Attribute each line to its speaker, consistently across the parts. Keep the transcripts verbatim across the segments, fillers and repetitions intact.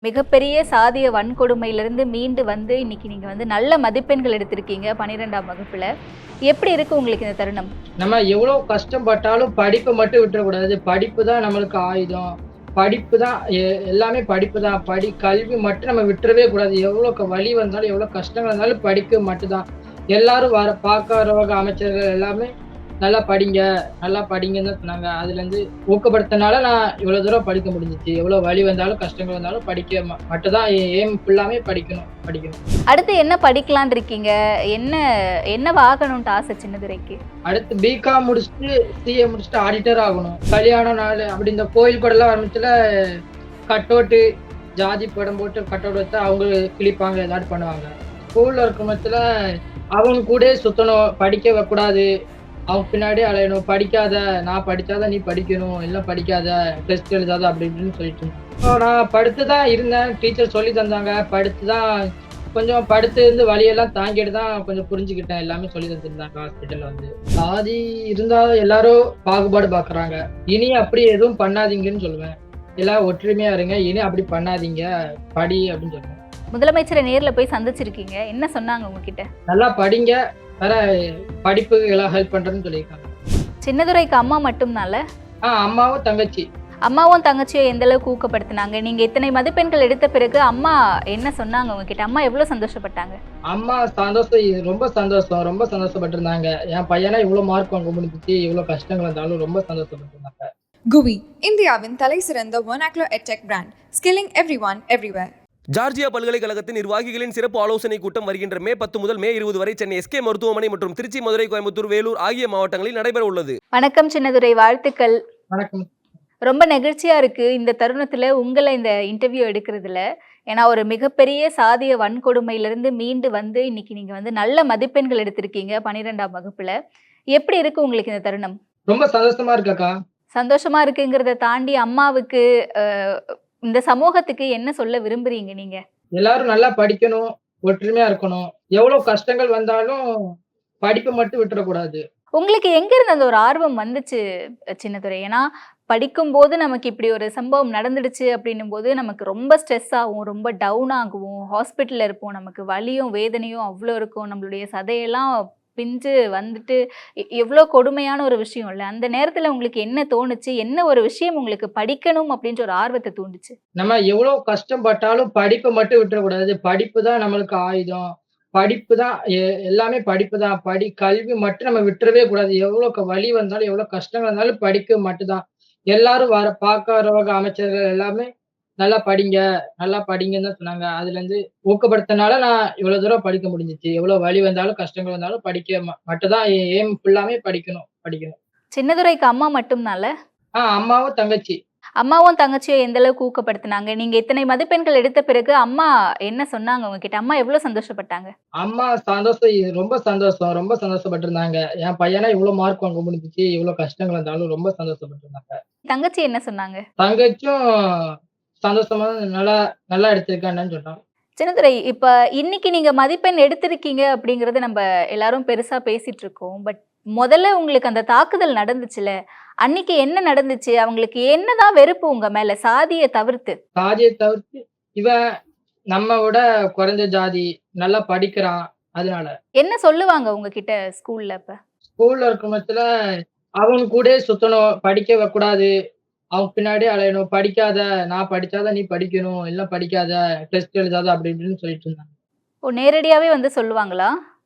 Speaker 1: மிகப்பெரிய சாதிய வன்கொடுமையிலிருந்து மீண்டு வந்து இன்னைக்கு நீங்க வந்து நல்ல மதிப்பெண்கள் எடுத்திருக்கீங்க பன்னிரெண்டாம் வகுப்புல. எப்படி இருக்கு உங்களுக்கு இந்த தருணம்?
Speaker 2: நம்ம எவ்வளோ கஷ்டப்பட்டாலும் படிப்ப மட்டும் விட்டுறக்கூடாது. படிப்பு தான் நம்மளுக்கு ஆயுதம். படிப்பு தான் எ எல்லாமே படிப்பு தான். படி கல்வி மட்டும் நம்ம விட்டுறவே கூடாது. எவ்வளோ க வலி வந்தாலும், எவ்வளோ கஷ்டங்கள் வந்தாலும் படிப்பு மட்டும் தான். எல்லாரும் வர பார்க்கறவங்க, அமைச்சர்கள் எல்லாமே நல்லா படிங்க, நல்லா படிங்கன்னு தான் சொன்னாங்க. அதுலேருந்து ஊக்கப்படுத்துனால நான் இவ்வளோ தூரம் படிக்க முடிஞ்சுச்சு. எவ்வளோ வலி வந்தாலும், கஷ்டங்கள் வந்தாலும் படிக்க ம மட்டும் தான் என் எய்ம் ஃபுல்லாமே படிக்கணும், படிக்கணும்.
Speaker 1: அடுத்து என்ன படிக்கலான்னு இருக்கீங்க? என்ன என்னவாகணும்ட்டு ஆசை சின்னதுரைக்கு?
Speaker 2: அடுத்து பிகாம் முடிச்சுட்டு, சிஏ முடிச்சுட்டு ஆடிட்டர் ஆகணும். கல்யாண நாள் அப்படி இந்த கோயில் கூடலாம் ஆரம்பிச்சுல கட்டவுட்டு, ஜாதி படம் போட்டு கட்டவுட் வச்சா அவங்க கிழிப்பாங்க, ஏதாவது பண்ணுவாங்க. ஸ்கூல்ல இருக்கும் பட்சத்துல அவங்க கூடயே சுத்தணும், படிக்க வைக்கக்கூடாது. அவங்க பின்னாடியே அலையணும். படிக்காத, நான் படிச்சாதான் நீ படிக்கணும், இல்ல படிக்காத, டெஸ்ட் எழுதாத அப்படி இப்படின்னு சொல்லிட்டு இருந்தாங்க. இப்போ நான் படுத்து தான் இருந்தேன். டீச்சர் சொல்லி தந்தாங்க. படுத்து தான் கொஞ்சம் படுத்து இருந்து வலியெல்லாம் தாங்கிட்டு தான் கொஞ்சம் புரிஞ்சுக்கிட்டேன். எல்லாமே சொல்லி தந்துருந்தாங்க ஹாஸ்பிட்டல்ல வந்து. சாதி இருந்தாலும் எல்லாரும் பாகுபாடு பார்க்குறாங்க. இனி அப்படி எதுவும் பண்ணாதீங்கன்னு சொல்லுவேன். எல்லாம் ஒற்றுமையா இருங்க. இனி அப்படி பண்ணாதீங்க. படி அப்படின்னு சொல்லுவேன்.
Speaker 1: முதலமைச்சரை நேர்ல போய் சந்திச்சிருக்கீங்க. என்ன சொன்னாங்க உங்ககிட்ட?
Speaker 2: நல்லா படிங்க. வேற படிப்புக்கு எல்லாம் ஹெல்ப் பண்றேன்னு சொல்லியிருக்காங்க.
Speaker 1: சின்னதுரைக்கு அம்மா மட்டும்னால?
Speaker 2: ஆ அம்மாவும் தங்கச்சி.
Speaker 1: அம்மாவும் தங்கச்சியும் எந்த அளவுக்கு ஊக்கப்படுத்தினாங்க? நீங்க இத்தனை மதிப்பெண்கள் எடுத்த பிறகு அம்மா என்ன சொன்னாங்க உங்ககிட்ட? அம்மா எவ்வளவு சந்தோஷப்பட்டாங்க?
Speaker 2: அம்மா சந்தோஷம் ரொம்ப சந்தோஷம். ரொம்ப சந்தோஷப்பட்டிருந்தாங்க. என் பையனா இவ்வளோ மார்க் வாங்க முடிஞ்சுச்சு, இவ்வளோ கஷ்டங்கள் வந்தாலும் ரொம்ப சந்தோஷப்பட்டிருந்தாங்க.
Speaker 3: குவி இந்தியாவின் தலை சிறந்த vernacular edtech brand, skilling everyone everywhere.
Speaker 4: Georgia பல்கலைக்கழகத்தின் நிர்வாகிகளின் சிறப்பு ஆலோசனை கூட்டம் வருகின்ற மே பத்து முதல் மே இருபது வரை சென்னை எஸ்கே மருத்துவமனை மற்றும் திருச்சி, மதுரை, கோயம்புத்தூர், வேலூர் ஆகிய மாவட்டங்களில் நடைபெற உள்ளது.
Speaker 1: வணக்கம் சின்னதுரை, வாழ்த்துக்கள்.
Speaker 2: வணக்கம்.
Speaker 1: ரொம்ப நெகிழ்ச்சியா இருக்கு இந்த தருணத்துல உங்களை இந்த இன்டர்வியூ எடுக்கிறதுல. ஏன்னா ஒரு மிகப்பெரிய சாதிய வன்கொடுமையிலிருந்து மீண்டு வந்து இன்னைக்கு நீங்க வந்து நல்ல மதிப்பெண்கள் எடுத்திருக்கீங்க பன்னிரெண்டாம் வகுப்புல. எப்படி இருக்கு உங்களுக்கு இந்த தருணம்?
Speaker 2: ரொம்ப சந்தோஷமா இருக்கக்கா.
Speaker 1: சந்தோஷமா இருக்குங்கிறத தாண்டி அம்மாவுக்கு அஹ், இந்த சமூகத்துக்கு என்ன சொல்ல விரும்புறீங்க நீங்க?
Speaker 2: எல்லாரும் நல்லா படிக்கணும், ஒற்றுமையா இருக்கணும். எவ்வளோ கஷ்டங்கள் வந்தாலும் படிப்பை மட்டும் விட்டுறக்கூடாது.
Speaker 1: உங்களுக்கு எங்க இருந்து அந்த ஒரு ஆர்வம் வந்துச்சு சின்னதுரை? ஏன்னா படிக்கும்போது நமக்கு இப்படி ஒரு சம்பவம் நடந்துடுச்சு அப்படின்னும் போது நமக்கு ரொம்ப ஸ்ட்ரெஸ் ஆகும், ரொம்ப டவுன் ஆகுவோம், ஹாஸ்பிட்டல்ல இருப்போம், நமக்கு வலியும் வேதனையும் அவ்வளோ இருக்கும், நம்மளுடைய சதையெல்லாம் பிஞ்சு வந்துட்டு எ- எவ்வளோ கொடுமையான ஒரு விஷயம் இல்லை? அந்த நேரத்துல உங்களுக்கு என்ன தோணுச்சு? என்ன ஒரு விஷயம் உங்களுக்கு படிக்கணும் அப்படின்ற ஒரு ஆர்வத்தை தூண்டுச்சு?
Speaker 2: நம்ம எவ்வளோ கஷ்டப்பட்டாலும் படிப்பை மட்டும் விட்டுறக்கூடாது. படிப்பு தான் நம்மளுக்கு ஆயுதம். படிப்பு தான் எ எல்லாமே படிப்பு தான். படி கல்வி மட்டும் நம்ம விட்டுறவே கூடாது. எவ்வளோ க வலி வந்தாலும், எவ்வளோ கஷ்டங்கள் வந்தாலும் படிக்க மட்டும் தான். எல்லாரும் வர பார்க்கறவங்க, அமைச்சர்கள் எல்லாமே நல்லா படிங்க, நல்லா படிங்கன்னு தான் சொன்னாங்க. அதுலேருந்து ஊக்கப்படுத்துனால நான் இவ்வளோ தூரம் படிக்க முடிஞ்சுச்சு. எவ்வளோ வலி வந்தாலும், கஷ்டங்கள் வந்தாலும் படிக்க ம மட்டும் தான் என் எய்ம் ஃபுல்லாமே படிக்கணும், படிக்கணும்.
Speaker 1: சின்னதுரைக்கு அம்மா மட்டும்னால?
Speaker 2: ஆ அம்மாவும் தங்கச்சி.
Speaker 1: அம்மாவும் தங்கச்சியும் எந்த அளவுக்கு ஊக்கப்படுத்தினாங்க? நீங்க இத்தனை மதிப்பெண்கள் எடுத்த பிறகு அம்மா என்ன சொன்னாங்க உங்ககிட்ட? அம்மா எவ்வளவு சந்தோஷப்பட்டாங்க?
Speaker 2: அம்மா சந்தோஷம் ரொம்ப சந்தோஷம். ரொம்ப சந்தோஷப்பட்டிருந்தாங்க. என் பையனா இவ்வளோ மார்க் வாங்க முடிஞ்சுச்சு, இவ்வளோ கஷ்டங்கள் வந்தாலும் ரொம்ப சந்தோஷப்பட்டிருந்தாங்க.
Speaker 1: தங்கச்சி என்ன சொன்னாங்க?
Speaker 2: தங்கச்சியும் சந்தோஷமா நல்லா நல்லா எடுத்திருக்கான்னு சொன்னாங்க.
Speaker 1: சின்னதுரை, இப்ப இன்னைக்கு நீங்க மதிப்பெண் எடுத்திருக்கீங்க அப்படிங்கறத நம்ம எல்லாரும் பெருசா பேசிட்டு இருக்கோம். பட் முதல்ல உங்களுக்கு அந்த தாக்குதல் நடந்துச்சுல, அன்னைக்கு என்ன நடந்துச்சு? அவங்களுக்கு என்னதான் வெறுப்பு உங்க மேல சாதிய தவிர்த்து?
Speaker 2: சாதியை தவிர்த்து இவன் நம்ம விட குறைஞ்ச ஜாதி, நல்லா படிக்கிறான். அதனால.
Speaker 1: என்ன சொல்லுவாங்க உங்ககிட்ட ஸ்கூல்ல அப்ப?
Speaker 2: ஸ்கூல்ல இருக்கும் பட்சத்துல அவங்க கூடயே சுத்தணும், படிக்க வைக்கக்கூடாது. அவங்க பின்னாடியே அலையணும். படிக்காத, நான் படிச்சாதான் நீ படிக்கணும், இல்ல படிக்காத, டெஸ்ட் எழுதாத அப்படி இப்படின்னு சொல்லிட்டு இருந்தாங்க.
Speaker 1: ஓ, நேரடியாவே வந்து சொல்லுவாங்களா?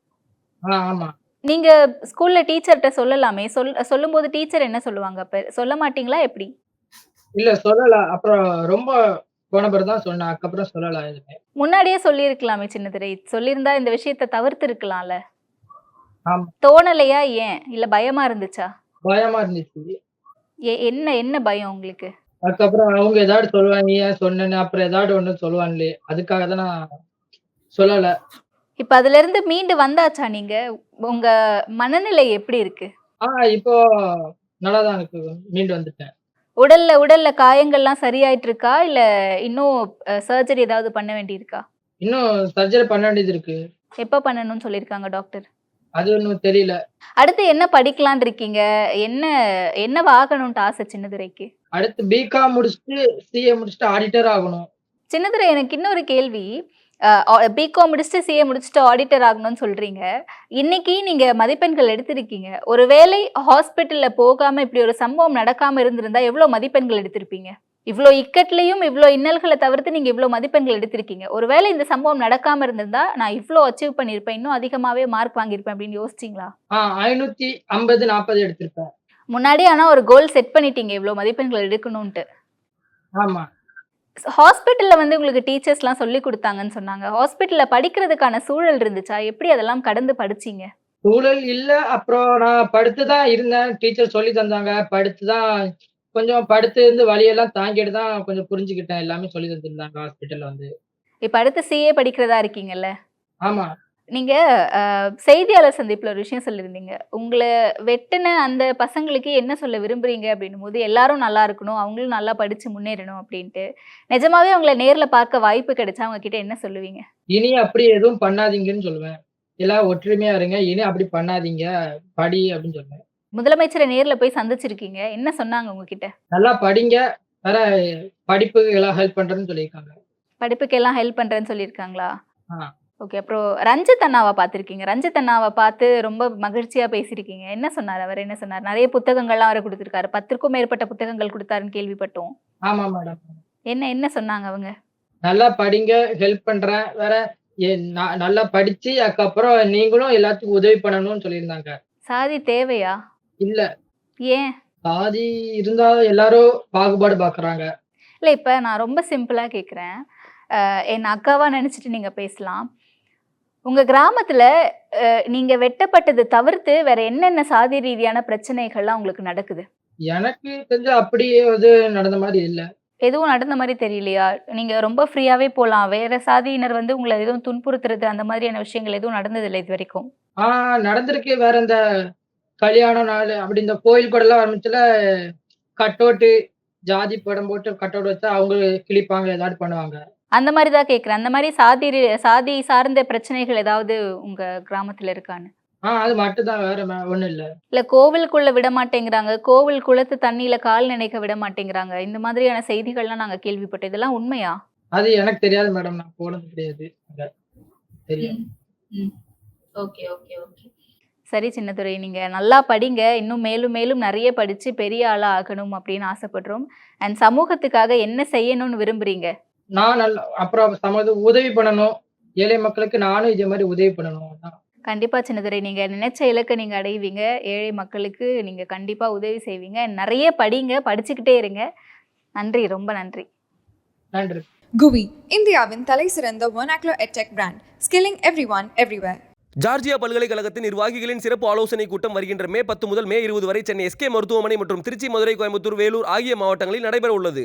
Speaker 2: ஆ ஆமா.
Speaker 1: நீங்க ஸ்கூல்ல டீச்சர்ட்ட சொல்லலாமே. சொல் சொல்லும்போது டீச்சர் என்ன சொல்லுவாங்க அப்ப? சொல்ல மாட்டீங்களா எப்படி?
Speaker 2: இல்ல சொல்லல. அப்புறம் ரொம்ப போன பிறகு தான் சொன்னேன். அதுக்கப்புறம் சொல்லல எதுவுமே.
Speaker 1: முன்னாடியே சொல்லியிருக்கலாமே சின்னதுரை. சொல்லியிருந்தா இந்த விஷயத்த தவிர்த்திருக்கலாம்ல.
Speaker 2: ஆமா.
Speaker 1: தோணலையா ஏன்? இல்ல பயமா இருந்துச்சா?
Speaker 2: பயமா இருந்துச்சு.
Speaker 1: எ என்ன என்ன பயம் உங்களுக்கு?
Speaker 2: அதுக்கப்புறம் அவங்க ஏதாவது சொல்லுவாங்க, நீ ஏன் சொன்னேன்னு, அப்புறம் ஏதாவது ஒண்ணு சொல்லுவாங்களே, அதுக்காக தான் நான் சொல்லல.
Speaker 1: இப்ப அதிலிருந்து மீண்டு வந்தாச்சா நீங்க? உங்க மனநிலை எப்படி இருக்கு?
Speaker 2: ஆ இப்போ நல்லா தான் இருக்கு. மீண்டு வந்துட்டேன்.
Speaker 1: உடல்ல உடல்ல காயங்கள்லாம் சரியாயிட்டு இருக்கா? இல்ல இன்னும் அ சர்ஜரி ஏதாவது பண்ண வேண்டியிருக்கா?
Speaker 2: இன்னும் சர்ஜரி பண்ண வேண்டியது இருக்கு.
Speaker 1: எப்ப பண்ணணும்னு சொல்லியிருக்காங்க டாக்டர்?
Speaker 2: அது ஒண்ணும் தெரியல.
Speaker 1: அடுத்து என்ன படிக்கலான்னு இருக்கீங்க? என்ன என்னவாகணும்ட்டு ஆசை சின்னதுரைக்கு?
Speaker 2: அடுத்து பிகாம் முடிச்சுட்டு, சிஏ முடிச்சுட்டு ஆடிட்டர் ஆகணும்.
Speaker 1: சின்னதுரை எனக்கு இன்னொரு கேள்வி. பிகாம் முடிச்சுட்டு சிஏ முடிச்சுட்டு ஆடிட்டர் ஆகணும்னு சொல்றீங்க. இன்னைக்கு நீங்க மதிப்பெண்கள் எடுத்திருக்கீங்க. ஒருவேளை ஹாஸ்பிட்டல்ல போகாம இப்படி ஒரு சம்பவம் நடக்காம இருந்திருந்தா எவ்வளவு மதிப்பெண்கள் எடுத்திருப்பீங்க? இவ்ளோ இக்கட்லயும் இவ்ளோ இன்னல்களை தவிர்த்து நீங்க இவ்ளோ மதிப்பெண்கள் எடுத்திருக்கீங்க. ஒருவேளை இந்த சம்பவம் நடக்காம இருந்திருந்தா நான் இவ்ளோ அச்சீவ் பண்ணியிருப்பேன், இன்னும் அதிகமாவே மார்க் வாங்கியிருப்பேன் அப்படின்னு யோசிச்சீங்களா?
Speaker 2: ஆ ஐநூத்தி ஐம்பது, நாற்பது எடுத்திருப்பேன்.
Speaker 1: முன்னாடி ஆனா ஒரு கோல் செட் பண்ணிட்டீங்க இவ்ளோ மதிப்பெண்கள் எடுக்கணும்ட்டு.
Speaker 2: ஆமா.
Speaker 1: ஹாஸ்பிட்டல்ல வந்து உங்களுக்கு டீச்சர்ஸ்லாம் சொல்லிக் குடுத்தாங்கன்னு சொன்னாங்க. ஹாஸ்பிட்டல்ல படிக்கிறதுக்கான சூழல் இருந்துச்சா? எப்படி அதெல்லாம் கடந்து படிச்சீங்க?
Speaker 2: சூழல் இல்ல. அப்புறம் நான் படுத்து தான் இருந்தேன். டீச்சர் சொல்லி தந்தாங்க. படுத்து தான் கொஞ்சம் படுத்து இருந்து வலியெல்லாம் தாங்கிட்டு தான் கொஞ்சம் புரிஞ்சுக்கிட்டேன். எல்லாமே சொல்லி தந்திருந்தாங்க ஹாஸ்பிட்டல்ல வந்து.
Speaker 1: இப்ப அடுத்து சிஏ படிக்கிறதா இருக்கீங்கல்ல?
Speaker 2: ஆமா.
Speaker 1: நீங்க அ செய்தியாளர் சந்திப்புல ஒரு விஷயம் சொல்லியிருந்தீங்க. உங்கள வெட்டுன அந்த பசங்களுக்கு என்ன சொல்ல விரும்புறீங்க அப்படின்னும்போது, எல்லாரும் நல்லா இருக்கணும், அவங்களும் நல்லா படிச்சு முன்னேறணும் அப்படின்ட்டு. நிஜமாவே அவங்கள நேர்ல பார்க்க வாய்ப்பு கிடைச்சா அவங்க கிட்ட என்ன சொல்லுவீங்க?
Speaker 2: இனி அப்படி எதுவும் பண்ணாதீங்கன்னு சொல்லுவேன். எல்லாரும் ஒற்றுமையா இருங்க. இனி அப்படி பண்ணாதீங்க. படி அப்படின்னு சொல்லுவேன்.
Speaker 1: முதலமைச்சர நேர்ல போய் சந்திச்சிருக்கீங்க. என்ன சொன்னாங்க உங்ககிட்ட?
Speaker 2: நல்லா படிங்க. வேற படிப்புக்கு எல்லாம் ஹெல்ப் பண்றேன்னு சொல்லியிருக்காங்க.
Speaker 1: படிப்புக்கெல்லாம் ஹெல்ப் பண்றேன்னு சொல்லியிருக்காங்களா?
Speaker 2: ஆ.
Speaker 1: ஓகே. அப்புறம் ரஞ்சித் அண்ணாவ பார்த்திருக்கீங்க. ரஞ்சித் அண்ணாவ பார்த்து ரொம்ப மகிழ்ச்சியா பேசியிருக்கீங்க. என்ன சொன்னாரு? அவர் என்ன சொன்னாரு? நெறைய புத்தகங்கள்லாம் வேற குடுத்திருக்காரு. பத்துக்கும் மேற்பட்ட புத்தகங்கள் குடுத்தாருன்னு கேள்விப்பட்டோம்.
Speaker 2: ஆமா மேடம்.
Speaker 1: என்ன என்ன சொன்னாங்க அவங்க?
Speaker 2: நல்லா படிங்க. ஹெல்ப் பண்றேன். வேற எ ந நல்லா படிச்சு அதுக்கப்புறம் நீங்களும் எல்லாத்துக்கும் உதவி பண்ணணும்னு சொல்லியிருந்தாங்க.
Speaker 1: சாதி தேவையா?
Speaker 2: இல்ல.
Speaker 1: ஏன்?
Speaker 2: சாதி இருந்தா எல்லாரும் பாகுபாடு பார்க்குறாங்க.
Speaker 1: இல்ல இப்ப நான் ரொம்ப சிம்பிளா கேட்கிறேன். அ என்ன அக்காவா நெனச்சுட்டு நீங்க பேசலாம். உங்க கிராமத்துல அ நீங்க வெட்டப்பட்டது தவிர்த்து வேற என்னென்ன சாதி ரீதியான பிரச்சனைகள்லாம் உங்களுக்கு நடக்குது?
Speaker 2: எனக்கு தெரிஞ்சு அப்படி எது நடந்த மாரி இல்ல.
Speaker 1: எதுவும் நடந்த மாரி தெரியலையா? நீங்க ரொம்ப ஃப்ரீயாவே போலாம். வேற சாதியினர் வந்து உங்கள எதுவும் துன்புறுத்துறது அந்த மாதிரியான விஷயங்கள் எதுவும் நடந்ததில்ல இதுவரைக்கும்?
Speaker 2: ஆ நடந்திருக்கு. வேற இந்த கல்யாண நாளு அப்படி இந்த கோயில் கூடலாம் ஆரம்பிச்சுல கட் அவுட்டு, ஜாதி படம் போட்டு கட் அவுட் வச்சா அவங்க கிழிப்பாங்க, ஏதாவது பண்ணுவாங்க.
Speaker 1: அந்த மாரி தான் கேட்கிறேன். அந்த மாரி சாதி ரி சாதி சார்ந்த பிரச்சனைகள் ஏதாவது உங்க கிராமத்துல இருக்கான்னு?
Speaker 2: ஆ அது மட்டும் தான். வேற ம ஒண்ணும் இல்ல.
Speaker 1: இல்ல கோவிலுக்குள்ள விட மாட்டேங்கிறாங்க. கோவில் குளத்து தண்ணீல கால் நனைக்க விட மாட்டேங்கிறாங்க. இந்த மாதிரியான செய்திகள்லாம் நாங்க கேள்விப்பட்டோம். இதெல்லாம் உண்மையா?
Speaker 2: அது எனக்கு தெரியாது மேடம். நான் போனது கிடையாது அங்க. தெரியாது.
Speaker 1: ம். Okay, okay, okay. சரி சின்னதுரை, நீங்க நல்லா படிங்க. இன்னும் மேலும் மேலும் நெறைய படிச்சு பெரிய ஆளா ஆகணும் அப்படின்னு ஆசைப்படுறோம். அண்ட் சமூகத்துக்காக என்ன செய்யணும்னு விரும்புறீங்க?
Speaker 2: நான் நல்லா அப்புறம் சமது உதவி பண்ணணும். ஏழை மக்களுக்கு நானும் இதே மாரி உதவி பண்ணணும். அதான்.
Speaker 1: கண்டிப்பா சின்னதுரை. நீங்க நினைச்ச இலக்க நீங்க அடைவீங்க. ஏழை மக்களுக்கு நீங்க கண்டிப்பா உதவி செய்வீங்க. நெறைய படிங்க. படிச்சுக்கிட்டே இருங்க. நன்றி. ரொம்ப நன்றி.
Speaker 2: நன்றி.
Speaker 3: குவி இந்தியாவின் தலை சிறந்த vernacular edtech brand, skilling everyone everywhere.
Speaker 4: Georgia பல்கலைக்கழகத்தின் நிர்வாகிகளின் சிறப்பு ஆலோசனை கூட்டம் வருகின்ற மே பத்து முதல் மே இருபது வரை சென்னை எஸ்கே மருத்துவமனை மற்றும் திருச்சி, மதுரை, கோயம்புத்தூர், வேலூர் ஆகிய மாவட்டங்களில் நடைபெற உள்ளது.